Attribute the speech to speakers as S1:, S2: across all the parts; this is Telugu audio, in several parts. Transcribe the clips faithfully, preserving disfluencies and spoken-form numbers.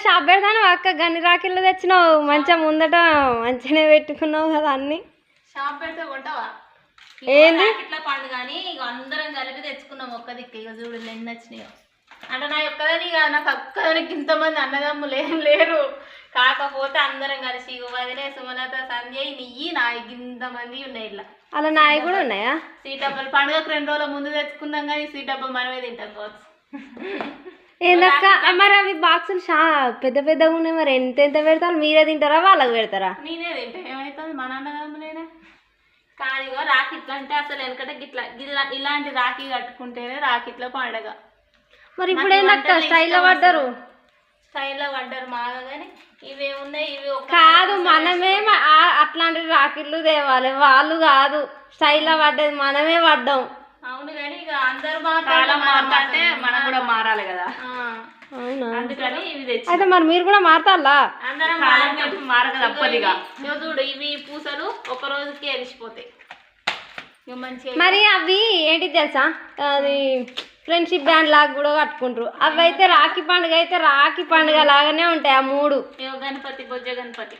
S1: షాప్ పెడతాను అక్క గన్ని రాఖీలు తెచ్చినావు మంచిగా ముందట మంచిగానే పెట్టుకున్నావు కదా అన్ని
S2: షాప్ పెడితే కొంటావా
S1: ఏంది
S2: ఇట్లా పండు కానీ ఇక అందరం కలిపి తెచ్చుకున్నాం ఒక్క దిక్కు ఇక చూడు ఎన్ని నచ్చినాయో అంటే నా ఒక్కదాని ఇక నాకు ఒక్కదానికి ఇంతమంది అన్నదమ్ములు ఏం లేరు కాకపోతే అందరం కలిసి ఇక వదిలే సుమలత సంధ్య నెయ్యి నా ఇంతమంది ఉన్నాయి ఇట్లా
S1: అలా నాయి కూడా ఉన్నాయా
S2: సీట్ డబ్బాలు పండుగకు రెండు రోజుల ముందు తెచ్చుకుందాం కానీ సీట్ డబ్బా మనమే తింటాం కావచ్చు
S1: ఏందక్క మరి అవి బాక్సులు షా పెద్ద పెద్దగా ఉన్నాయి మరి ఎంత ఎంత పెడతారు మీరే తింటారా వాళ్ళకి పెడతారా
S2: నేనే తింటా ఏమవుతుంది మన అన్నదమ్ములేనే కానీ ఇగో రాఖీట్లు అంటే అసలు వెనకట గిట్లా గిట్లా ఇలాంటి రాఖీ కట్టుకుంటేనే రాఖీట్ల పండగ
S1: మరి ఇప్పుడు ఏందక్క స్టైల్లో పడ్డారు
S2: స్టైల్లో పడ్డారు మాగా కానీ ఇవేమున్నాయి ఇవి
S1: కాదు మనమే అట్లాంటి రాఖీలు తేవాలి వాళ్ళు కాదు స్టైల్లో పడ్డది మనమే పడ్డాం
S2: అవును కానీ ఇక అందరు మాట్లాడే మనం కూడా మారాలి కదా
S1: అవునా
S2: అందుకని ఇవి తెచ్చి
S1: అయితే మరి మీరు కూడా మారతాలా
S2: అందరం మారక తప్పదిగా చూడు ఇవి పూసలు ఒక రోజుకి ఎలిసిపోతాయి
S1: మరి అవి ఏంటి తెలుసా అది ఫ్రెండ్షిప్ బ్యాండ్ లాగా కూడా కట్టుకుంటారు అవి అయితే రాఖీ పండుగ అయితే రాఖీ పండుగ లాగానే ఉంటాయి ఆ మూడు
S2: గణపతి బొజ్జ గణపతి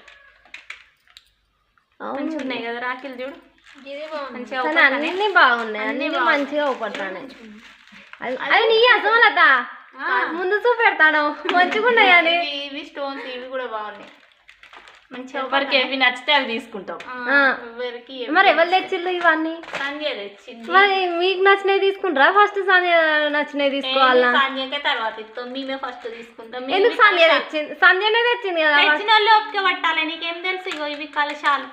S2: మంచిగా ఉన్నాయి కదా రాఖీలు చూడు
S1: అన్ని బాగున్నాయి అన్ని మంచిగా ఊపడుతున్నాయి అవి నీ అసమలత ముందు చూపెడతాను మంచిగా ఉన్నాయి అని
S2: ఇవి స్టోన్స్ ఇవి కూడా బాగున్నాయి మంచిగా ఎవరికి ఏవి నచ్చితే అవి తీసుకుంటాం ఎవరికి
S1: మరి ఎవరు తెచ్చిళ్ళు ఇవన్నీ
S2: సంధ్య తెచ్చింది
S1: మరి మీకు నచ్చినవి తీసుకుంటారా ఫస్ట్ సంధ్య నచ్చినవి తీసుకోవాలా
S2: సంధ్యకే తర్వాత ఇస్తాం మేమే ఫస్ట్ తీసుకుంటాం
S1: ఎందుకు సంధ్య తెచ్చింది సంధ్యనే తెచ్చింది కదా
S2: తెచ్చిన వాళ్ళు ఓపిక పట్టాలి నీకేం తెలుసు ఇగో ఇవి కలశాలు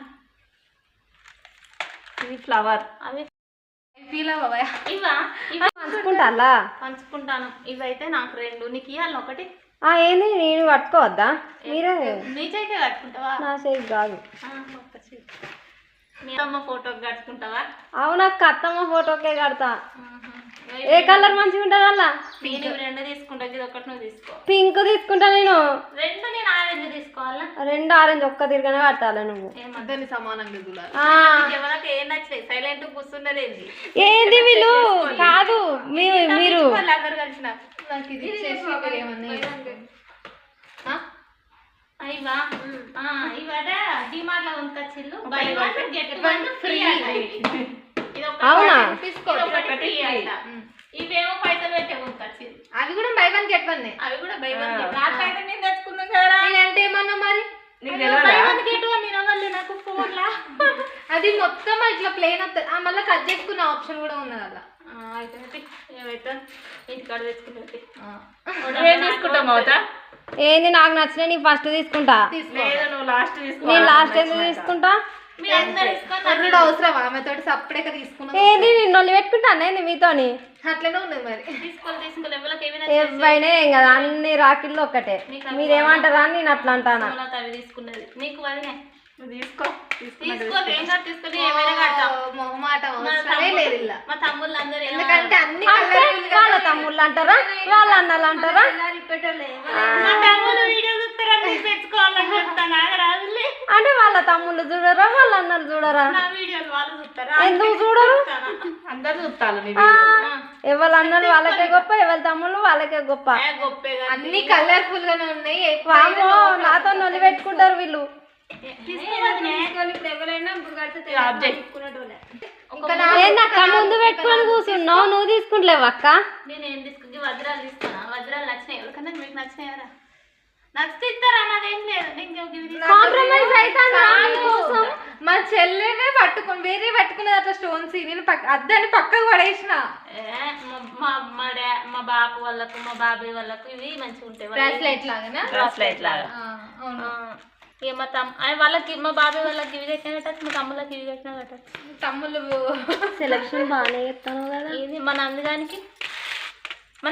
S2: ఇవి ఫ్లవర్ అవి ఫీల్ అవ్వవా ఇవా ఇవి
S1: పంచుకుంటారా
S2: పంచుకుంటాను ఇవైతే నాకు రెండు నీకు ఇవ్వాలి ఒకటి
S1: ఏంది నేను కట్టుకోవద్దా మీరే
S2: నీ చేయికే కట్టుకుంటావా
S1: నా చేయి కాదు
S2: మీ అమ్మ ఫోటోకి కట్టుకుంటావా
S1: అవునా అత్తమ్మ ఫోటోకే కడతా ఏ కలర్ మంచిగా ఉంటుంది అలా
S2: నేను రెండు తీసుకుంటా ఇది ఒకటి నువ్వు తీసుకో
S1: పింక్ తీసుకుంటా నేను
S2: రెండు నేను ఆరెంజ్ తీసుకోవాలా
S1: రెండు ఆరెంజ్ ఒక్క తిరగనే కట్టాలి నువ్వు
S2: ఏమద్దరిని సమానంగా ఎవరికి ఏం నచ్చినాయి సైలెంట్ కూర్చున్నది ఏంది
S1: ఏంది వీళ్ళు కాదు మీరు
S2: అందరు కలిసిన ఇవా ఇవాడ డిమార్ట్ లో కొనుకొచ్చిల్లు buy one get one free
S1: అవునా
S2: ఇవేమో పైసలు పెట్టే కొనుకొచ్చిల్లు
S3: అవి కూడా బై వన్ గెట్ వన్
S2: అవి కూడా బై వన్ నాకైతే నేను తెచ్చుకున్నాం కదా
S3: అంటే ఏమన్నా మరి
S2: బై వన్ గెట్ వన్ తినవాలి నాకు ఫోన్ లా
S3: అది మొత్తం ఇట్లా ప్లేన్ వస్తుంది మళ్ళీ కట్ చేసుకునే ఆప్షన్ కూడా ఉన్నది అలా
S2: ఇంటికాడ తీసుకుంటాం అవుతా
S1: ఏంది నాకు నచ్చిన నీ ఫస్ట్ తీసుకుంటా
S2: నువ్వు లాస్ట్ తీసుకో
S1: నేను లాస్ట్ ఎందుకు తీసుకుంటా
S3: అవసరం ఆమెతో సప్పుడేక తీసుకున్నా
S1: ఏంది నేను నొల్లి పెట్టుకుంటాను ఏంది మీతోని
S3: అట్లనే ఉన్నది మరి
S2: తీసుకోవాలి తీసుకోవాలి
S1: ఎవరైనా ఏం కదా అన్ని రాకిళ్ళు ఒక్కటే మీరేమంటారా అని నేను అట్లా అంటాను
S2: అవి తీసుకున్నది నీకు వదిలే తీసుకో
S3: తీసుకో తీసుకొని ఏమైనా కట్టాం మొహమాట అవసరమే లేదు ఇలా
S2: మా తమ్ముళ్ళు అందరూ
S3: ఎందుకంటే అన్ని
S1: వాళ్ళ తమ్ముళ్ళు అంటారా వాళ్ళ అన్నలు అంటారా
S2: మా తమ్ముళ్ళు వీడియో చూస్తారని పెట్టుకోవాలని చెప్తాను రాజులే
S1: అంటే వాళ్ళ తమ్ముళ్ళు చూడరా వాళ్ళ అన్నలు చూడరా
S2: నా వీడియోలు వాళ్ళు చూస్తారా
S1: ఎందుకు చూడరు
S2: అందరు చూస్తారు
S1: ఎవరి అన్నలు వాళ్ళకే గొప్ప ఎవరి తమ్ముళ్ళు వాళ్ళకే గొప్ప
S3: అన్ని కలర్ఫుల్ గానే ఉన్నాయి
S1: వామో నాతో నొలి పెట్టుకుంటారు వీళ్ళు ఏందక్క ముందు పెట్టుకొని కూర్చున్నావు నువ్వు తీసుకుంటలేవు అక్క
S2: నేనేం తీసుకుంటే వజ్రాలు తీసుకున్నా వజ్రాలు నచ్చినాయి ఎవరికన్నా మీకు నచ్చినాయరా నచ్చితే ఇస్తారా నాదేం లేదు
S1: కాంప్రమైజ్ అవుతాను
S3: మా చెల్లెనే పట్టుకుని వేరే పట్టుకున్నది అట్లా స్టోన్స్ నేను అద్దని పక్కకు పడేసిన
S2: మా మా డా మా బాబు వాళ్ళకు మా బాబాయ్ వాళ్ళకు ఇవి మంచిగా ఉంటాయి
S3: బ్రాస్లెట్ లాగా
S2: బ్రాస్లెట్ లాగా ఇక మా తమ్ వాళ్ళకి మా బాబాయ్ వాళ్ళకి ఇవి కట్టినా కట్టచ్చు మా తమ్ముళ్ళకి ఇవి కట్టినా కట్టచ్చు
S3: తమ్ముళ్ళు
S1: సెలక్షన్ బాగానే చెప్తాను కదా
S2: ఇది మన అందుగానికి మన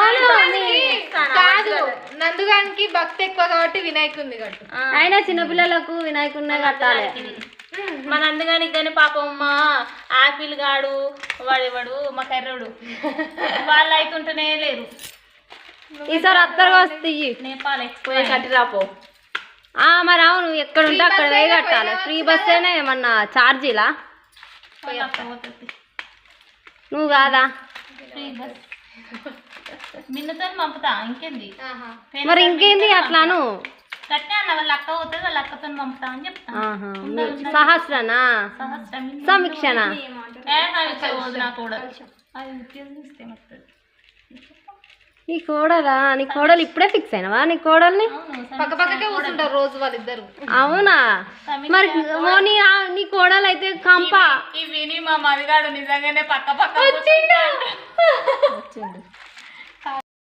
S3: కాదు నందుగానికి భక్తి ఎక్కువ కాబట్టి వినాయకుడిని కట్టు
S1: అయినా చిన్నపిల్లలకు వినాయకుడినే కట్టాలి
S2: మన అందుగానికి కానీ పాపం మా ఆపిల్ గాడు వాడేవాడు మా కర్రోడు వాళ్ళు అవుతుంటేనే లేరు
S1: ఈసారి అత్తరు వస్తాయి
S2: నేపాల్ ఎక్స్పోయి కట్టిరాపో
S1: మరి అవును ఎక్కడ ఉంటే అక్కడ పోయి కట్టాలి ఫ్రీ బస్ అయినా ఏమన్నా ఛార్జీలా నువ్వు కాదా
S2: ఫ్రీ బస్ మిన్నుతో పంపుతా ఇంకేంది
S1: మరి ఇంకేంది అట్లాను
S2: కట్టే అన్న వాళ్ళ అక్క పోతుంది వాళ్ళ అక్కతో పంపుతా అని చెప్తాను.
S1: సహస్రనా
S2: సహస్రం
S1: సమీక్షనా
S2: ఏ సమీక్ష పోదు నా కూడా అది ఉద్యోగం ఇస్తే వస్తుంది.
S1: నీ కోడలా నీ కోడలు ఇప్పుడే ఫిక్స్ అయినవా నీ కోడల్ని?
S3: పక్క పక్కకే కూర్చుంటారు రోజు వాళ్ళిద్దరు.
S1: అవునా మరి ఓ నీ ఆ- నీ కోడలు అయితే కంప
S2: ఈ విని మా మదిగాడు నిజంగానే పక్క పక్క
S3: వచ్చిండు.